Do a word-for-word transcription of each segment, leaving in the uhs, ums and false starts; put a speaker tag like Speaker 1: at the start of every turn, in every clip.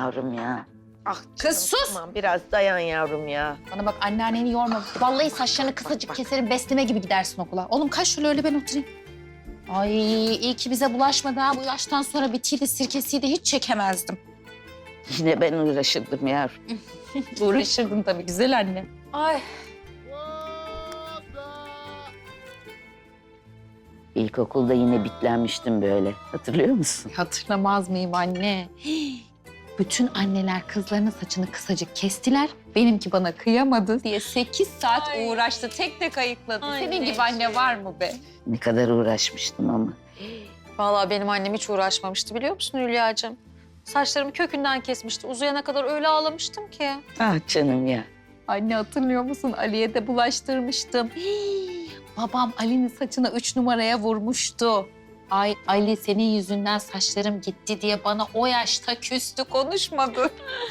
Speaker 1: yavrum ya. Ah canım,
Speaker 2: Kız sus!
Speaker 1: Tamam biraz dayan yavrum ya.
Speaker 2: Bana bak, anneanneni yorma. Vallahi saçlarını kısacık keserim, besleme gibi gidersin okula. Oğlum kaç şöyle, öyle ben oturayım. Ay iyi ki bize bulaşmadı ha. Bu yaştan sonra bitiydi, sirkesiydi, hiç çekemezdim.
Speaker 1: Yine ben uğraşırdım yavrum.
Speaker 2: Uğraşırdım tabii güzel anne. Ay.
Speaker 1: İlkokulda yine bitlenmiştim böyle. Hatırlıyor musun?
Speaker 2: Hatırlamaz mıyım anne? Hii. Bütün anneler kızlarının saçını kısacık kestiler. Benimki bana kıyamadı diye sekiz saat
Speaker 3: Ay.
Speaker 2: uğraştı. Tek tek ayıkladı.
Speaker 3: Ay,
Speaker 2: Senin gibi
Speaker 3: ne
Speaker 2: anne var mı be?
Speaker 1: Ne kadar uğraşmıştım ama.
Speaker 3: Vallahi benim annem hiç uğraşmamıştı biliyor musun Hülya'cığım? Saçlarımı kökünden kesmişti. Uzayana kadar öyle ağlamıştım ki.
Speaker 1: Ah canım ya.
Speaker 2: Anne hatırlıyor musun? Ali'ye de bulaştırmıştım. Hii. Babam Ali'nin saçına üç numaraya vurmuştu. Ay Ali, senin yüzünden saçlarım gitti diye bana o yaşta küstü, konuşmadı.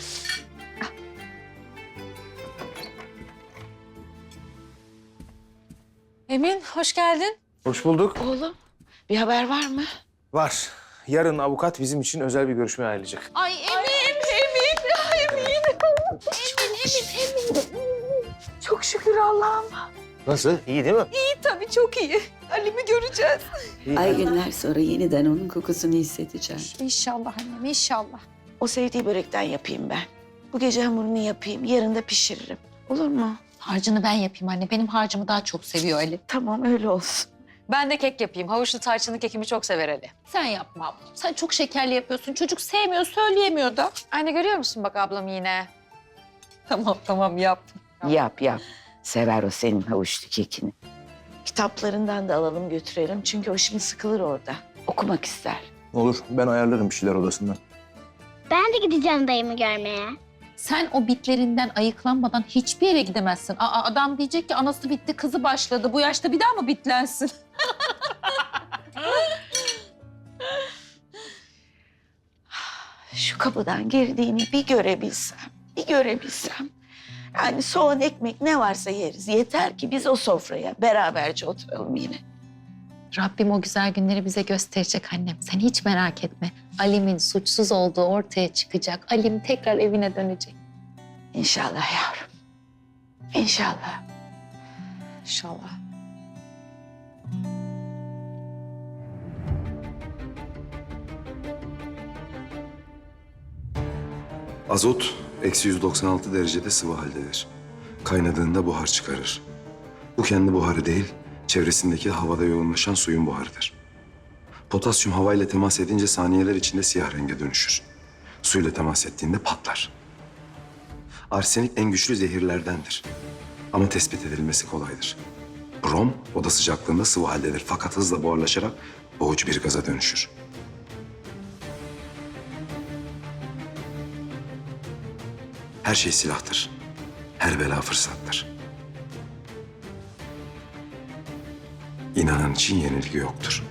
Speaker 3: Emin hoş geldin.
Speaker 4: Hoş bulduk.
Speaker 1: Oğlum bir haber var mı?
Speaker 4: Var. Yarın avukat bizim için özel bir görüşme ayarlayacak.
Speaker 2: Ay Emin, Emin, ay Emin. Emin, Emin, Emin. Çok şükür Allah'ım.
Speaker 4: Nasıl? İyi değil mi?
Speaker 2: İyi tabii, çok iyi. Ali'mi göreceğiz.
Speaker 4: İyi.
Speaker 5: Ay günler sonra yeniden onun kokusunu hissedeceğim.
Speaker 2: İnşallah annem, inşallah.
Speaker 1: O sevdiği börekten yapayım ben. Bu gece hamurunu yapayım, yarın da pişiririm. Olur mu?
Speaker 2: Harcını ben yapayım anne. Benim harcımı daha çok seviyor Ali.
Speaker 1: Tamam öyle olsun.
Speaker 3: Ben de kek yapayım. Havuçlu tarçınlı kekimi çok sever Ali.
Speaker 2: Sen yapma abla. Sen çok şekerli yapıyorsun. Çocuk sevmiyor, söyleyemiyor da.
Speaker 3: Anne görüyor musun bak ablam yine?
Speaker 2: Tamam, tamam yap.
Speaker 1: Yap yap. Sever o senin havuçlu kekini. Kitaplarından da alalım götürelim. Çünkü o şimdi sıkılır orada. Okumak ister.
Speaker 4: Olur. Ben ayarlarım bir şeyler odasından.
Speaker 6: Ben de gideceğim dayımı görmeye.
Speaker 2: Sen o bitlerinden ayıklanmadan hiçbir yere gidemezsin. Aa, adam diyecek ki anası bitti, kızı başladı. Bu yaşta bir daha mı bitlensin?
Speaker 1: Şu kapıdan girdiğini bir görebilsem, bir görebilsem. Yani soğan, ekmek ne varsa yeriz. Yeter ki biz o sofraya beraberce oturalım yine.
Speaker 2: Rabbim o güzel günleri bize gösterecek annem. Sen hiç merak etme. Alim'in suçsuz olduğu ortaya çıkacak. Alim tekrar evine dönecek.
Speaker 1: İnşallah yavrum. İnşallah.
Speaker 2: İnşallah.
Speaker 7: Azot eksi yüz doksan altı derecede sıvı haldedir. Kaynadığında buhar çıkarır. Bu kendi buharı değil, çevresindeki havada yoğunlaşan suyun buharıdır. Potasyum havayla temas edince saniyeler içinde siyah renge dönüşür. Suyla temas ettiğinde patlar. Arsenik en güçlü zehirlerdendir. Ama tespit edilmesi kolaydır. Brom oda sıcaklığında sıvı haldedir fakat hızla buharlaşarak boğucu bir gaza dönüşür. Her şey silahtır. Her bela fırsattır. İnanan için yenilgi yoktur.